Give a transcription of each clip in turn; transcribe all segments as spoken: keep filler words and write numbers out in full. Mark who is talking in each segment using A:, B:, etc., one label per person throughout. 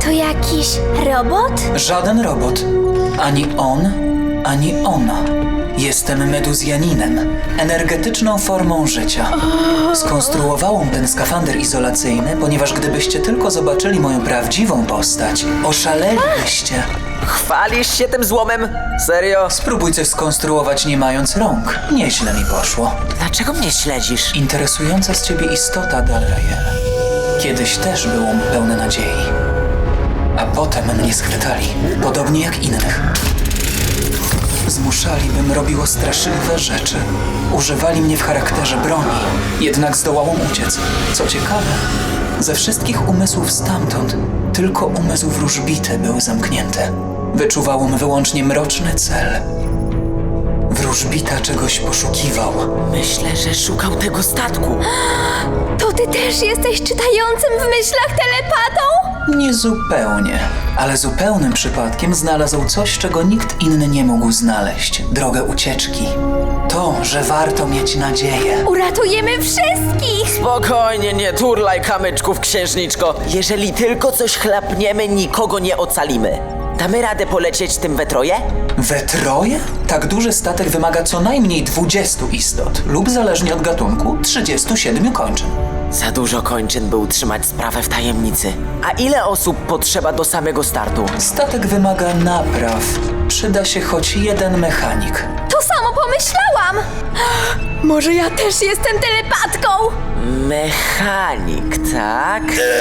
A: To jakiś robot?
B: Żaden robot. Ani on, ani ona. Jestem meduzjaninem, energetyczną formą życia. Skonstruowałam ten skafander izolacyjny, ponieważ gdybyście tylko zobaczyli moją prawdziwą postać, oszalelibyście.
C: Chwalisz się tym złomem? Serio?
B: Spróbuj coś skonstruować nie mając rąk. Nieźle mi poszło.
C: Dlaczego mnie śledzisz?
B: Interesująca z ciebie istota, Dalrael. Kiedyś też byłam pełna nadziei. A potem mnie schwytali, podobnie jak innych. Zmuszali, bym robiło straszliwe rzeczy. Używali mnie w charakterze broni, jednak zdołałam uciec. Co ciekawe, ze wszystkich umysłów stamtąd, tylko umysł wróżbity był zamknięty. Wyczuwałam wyłącznie mroczny cel. Wróżbita czegoś poszukiwał.
C: Myślę, że szukał tego statku.
A: To ty też jesteś czytającym w myślach telepatą?
B: Nie zupełnie, ale zupełnym przypadkiem znalazł coś, czego nikt inny nie mógł znaleźć. Drogę ucieczki. To, że warto mieć nadzieję.
A: Uratujemy wszystkich!
C: Spokojnie, nie turlaj kamyczków, księżniczko. Jeżeli tylko coś chlapniemy, nikogo nie ocalimy. Damy radę polecieć tym we troje?
B: We troje? Tak duży statek wymaga co najmniej dwudziestu istot lub zależnie od gatunku trzydziestu siedmiu kończyn.
C: Za dużo kończyn, by utrzymać sprawę w tajemnicy. A ile osób potrzeba do samego startu?
B: Statek wymaga napraw. Przyda się choć jeden mechanik.
A: To samo pomyślałam! Może ja też jestem telepatką?
C: Mechanik, tak?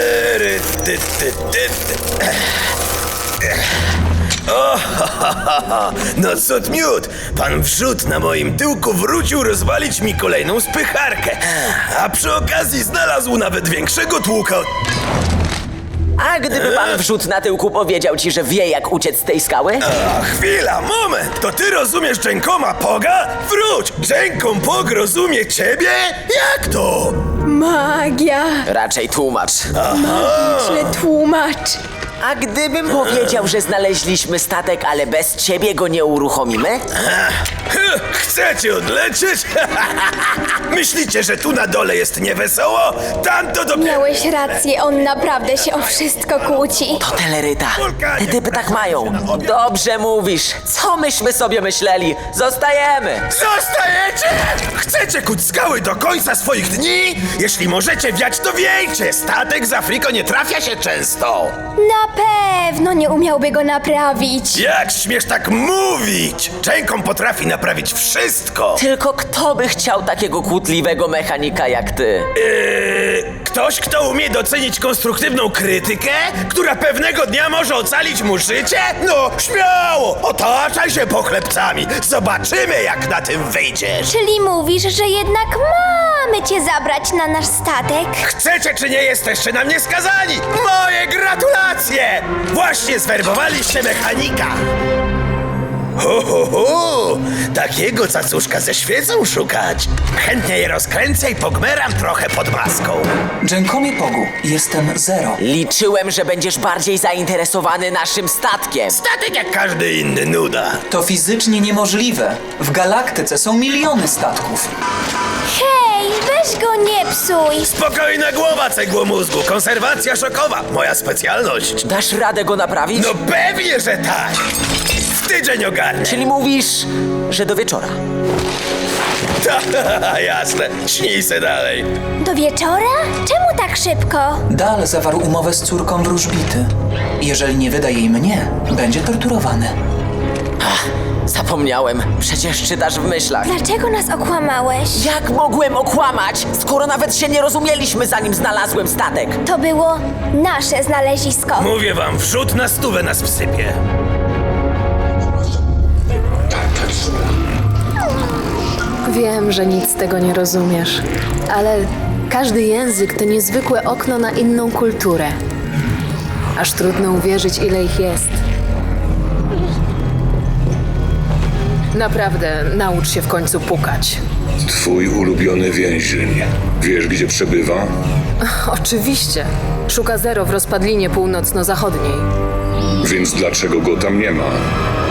D: O, ha, ha, ha, ha. No cud miód! Pan wrzód na moim tyłku wrócił rozwalić mi kolejną spycharkę. A przy okazji znalazł nawet większego tłuka.
C: A gdyby pan wrzód na tyłku powiedział ci, że wie, jak uciec z tej skały?
D: A chwila, moment! To ty rozumiesz Dżękoma Poga? Wróć! Dżękom Pog rozumie ciebie? Jak to?
A: Magia!
C: Raczej tłumacz.
A: Magiczny tłumacz!
C: A gdybym powiedział, że znaleźliśmy statek, ale bez ciebie go nie uruchomimy?
D: Hy, Chcecie odlecieć? Myślicie, że tu na dole jest niewesoło? Tam to dopiero...
A: Miałeś rację, on naprawdę się o wszystko kłóci.
C: To teleryta. Te typy tak mają. Dobrze mówisz. Co myśmy sobie myśleli? Zostajemy.
D: Zostajecie? Chcecie kuć skały do końca swoich dni? Jeśli możecie wiać, to wiejcie! Statek z Afriko nie trafia się często!
A: Na pewno nie umiałby go naprawić.
D: Jak śmiesz tak mówić? Dżękom potrafi naprawić wszystko!
C: Tylko kto by chciał takiego kłótliwego mechanika jak ty?
D: Yy, ktoś, kto umie docenić konstruktywną krytykę? Która pewnego dnia może ocalić mu życie? No, śmiało! Otaczaj się pochlebcami! Zobaczymy, jak na tym wyjdziesz!
A: Czyli mówisz, że jednak mamy cię zabrać na nasz statek?
D: Chcecie czy nie jesteście na mnie skazani? Moje gratulacje! Właśnie zwerbowaliście mechanika! Ho, ho, ho! Takiego cacuszka ze świecą szukać! Chętnie je rozkręcę i pogmeram trochę pod maską.
B: Dżękomie Pogu, jestem Zero.
C: Liczyłem, że będziesz bardziej zainteresowany naszym statkiem.
D: Statek jak każdy inny, nuda.
B: To fizycznie niemożliwe. W galaktyce są miliony statków.
A: Hej, weź go nie psuj!
D: Spokojna głowa, cegło mózgu, konserwacja szokowa, moja specjalność.
C: Dasz radę go naprawić?
D: No pewnie, że tak! W tydzień ogarnę.
C: Czyli mówisz, że do wieczora.
D: Ta, jasne, śnij se dalej.
A: Do wieczora? Czemu tak szybko?
B: Dal zawarł umowę z córką wróżbity. Jeżeli nie wyda jej mnie, będzie torturowany.
C: Ach, zapomniałem. Przecież czytasz w myślach.
A: Dlaczego nas okłamałeś?
C: Jak mogłem okłamać, skoro nawet się nie rozumieliśmy, zanim znalazłem statek?
A: To było nasze znalezisko.
D: Mówię wam, wrzód na stówę nas wsypie.
E: Wiem, że nic z tego nie rozumiesz, ale każdy język to niezwykłe okno na inną kulturę. Aż trudno uwierzyć, ile ich jest. Naprawdę, naucz się w końcu pukać.
F: Twój ulubiony więzień. Wiesz, gdzie przebywa?
E: Oczywiście. Szuka Zero w rozpadlinie północno-zachodniej.
F: Więc dlaczego go tam nie ma?